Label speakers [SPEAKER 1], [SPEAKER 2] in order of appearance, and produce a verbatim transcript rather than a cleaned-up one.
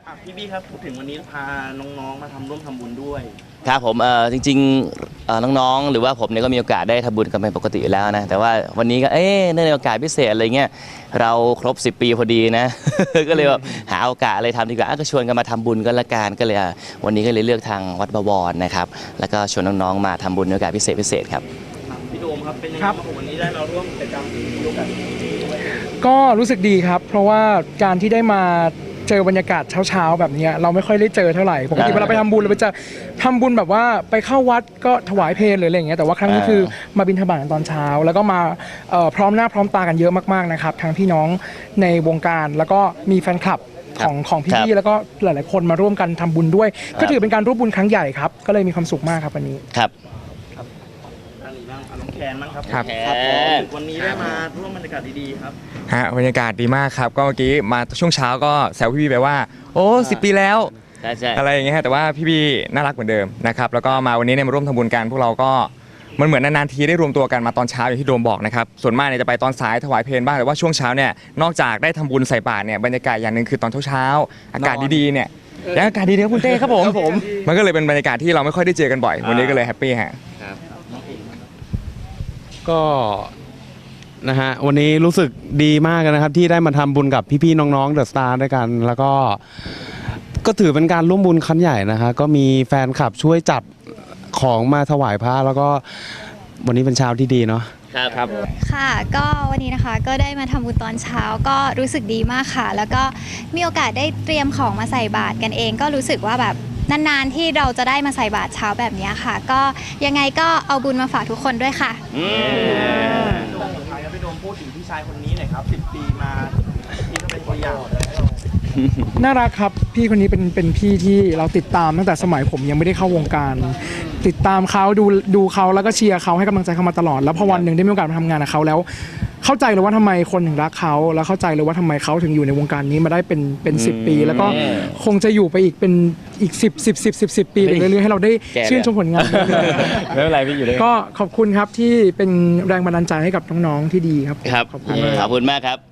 [SPEAKER 1] พี่บี้ครับพูดถึงวันนี้พาน้องๆมาทำร่วมทำบุญด้วย
[SPEAKER 2] ครับผมเออจริงๆน้องๆหรือว่าผมเนี่ยก็มีโอกาสได้ทำบุญกันเป็นปกติอยู่แล้วนะแต่ว่าวันนี้ก็เอ๊ะเนื่องในโอกาสพิเศษอะไรเงี้ยเราครบสิบปีพอดีนะ ก็เลยแบบหาโอกาสอะไรทำดีกว่าก็ชวนกันมาทำบุญกันละกันก็เลยวันนี้ก็เลยเลือกทางวัดบวรนะครับแล้วก็ชวนน้องๆมาทำบุญในโอกาสพิเศษพิเศษครับ
[SPEAKER 1] พี่โดมครับเป็นยังไงครับวันนี้ได้มาร่วมกิจกรรมโอกาส
[SPEAKER 3] ก็รู้สึกดีครับเพราะว่าการที่ได้มาเจอบรรยากาศเช้าๆแบบนี้เราไม่ค่อยได้เจอเท่าไหร่ปกติเวลาไปทำบุญเราไปจะทำบุญแบบว่าไปเข้าวัดก็ถวายเพลหรืออะไรอย่างเงี้ยแต่ว่าครั้งนี้คือมาบิณฑบาตตอนเช้าแล้วก็มาพร้อมหน้าพร้อมตากันเยอะมากๆนะครับทั้งพี่น้องในวงการแล้วก็มีแฟนคลับของของพี่ๆแล้วก็หลายๆคนมาร่วมกันทำบุญด้วยก็ถือเป็นการร่วมบุญครั้งใหญ่ครับก็เลยมีความสุขมากครับวันนี้
[SPEAKER 2] ครับ
[SPEAKER 1] น้องแคนมั้งครับ
[SPEAKER 4] ครับ
[SPEAKER 1] วันนี้ได้มาร่วมบรรยากาศดีๆครับ
[SPEAKER 4] ฮะบรรยากาศดีมากครับก็เมื่อกี้มาช่วงเช้าก็แซวพี่ๆไปว่าโอ้สิบปีแล้วอะไรอย่างเงี้ยแต่ว่าพี่ๆน่ารักเหมือนเดิมนะครับแล้วก็มาวันนี้เนี่ยมาร่วมทำบุญกันพวกเราก็มันเหมือนนานๆทีได้รวมตัวกันมาตอนเช้าอย่างที่โดมบอกนะครับส่วนมากเนี่ยจะไปตอนสายถวายเพลบ้างแต่ว่าช่วงเช้าเนี่ยนอกจากได้ทำบุญใส่บาตรเนี่ยบรรยากาศอย่างหนึ่งคือตอนเช้าๆอากาศดีๆเนี่ยแล้วอากาศดีๆครับคุณเต้ครับผมมันก็เลยเป็นบรรยากาศที่เราไม่ค่อยได้เจอกันบ่อยวันนี้ก็เลยแฮปปี้ฮะ
[SPEAKER 5] ก็นะฮะวันนี้รู้สึกดีมากนะครับที่ได้มาทำบุญกับพี่ๆน้องๆเดอะสตาร์ด้วยกันแล้วก็ก็ถือเป็นการร่วมบุญครั้งใหญ่นะคะก็มีแฟนคลับช่วยจัดของมาถวายพระแล้วก็วันนี้เป็นเช้าที่ดีเนาะ
[SPEAKER 2] ครับ
[SPEAKER 6] ค่ะก็วันนี้นะคะก็ได้มาทำบุญตอนเช้าก็รู้สึกดีมากค่ะแล้วก็มีโอกาสได้เตรียมของมาใส่บาตรกันเองก็รู้สึกว่าแบบนานๆที่เราจะได้มาใส่บาตรเช้าแบบนี้ค่ะก็ยังไงก็เอาบุญมาฝากทุกคนด้วยค่ะ
[SPEAKER 1] สุดท้ายครับพี่โดมพูดถึงพี่ชายคนนี้หน่อยครับสิบปีมาพี่ก็เป็นตัวอย่าง
[SPEAKER 3] น่ารักครับพี่คนนี้เป็นเป็นพี่ที่เราติดตามตั้งแต่สมัยผมยังไม่ได้เข้าวงการติดตามเขาดูดูเขาแล้วก็เชียร์เขาให้กำลังใจเขามาตลอดแล้วพอวันหนึ่งได้มีโอกาสมาทำงานกับเขาแล้วเข้าใจเลยว่าทำไมคนถึงรักเขาแล้วเข้าใจเลยว่าทำไมเขาถึงอยู่ในวงการนี้มาได้เป็นเป็นสิบปีแล้วก็คงจะอยู่ไปอีกเป็นอีกสิบสิบสิบสิบสิบปีไปเรื่อยๆให้เราได้ชื่นชมผลงาน
[SPEAKER 4] ไม่เป็นไรพี่อยู่ได้
[SPEAKER 3] ก็ขอบคุณครับที่เป็นแรงบันดาลใจให้กับน้องๆที่ดีครับ
[SPEAKER 2] ครับขอบคุณมากครับ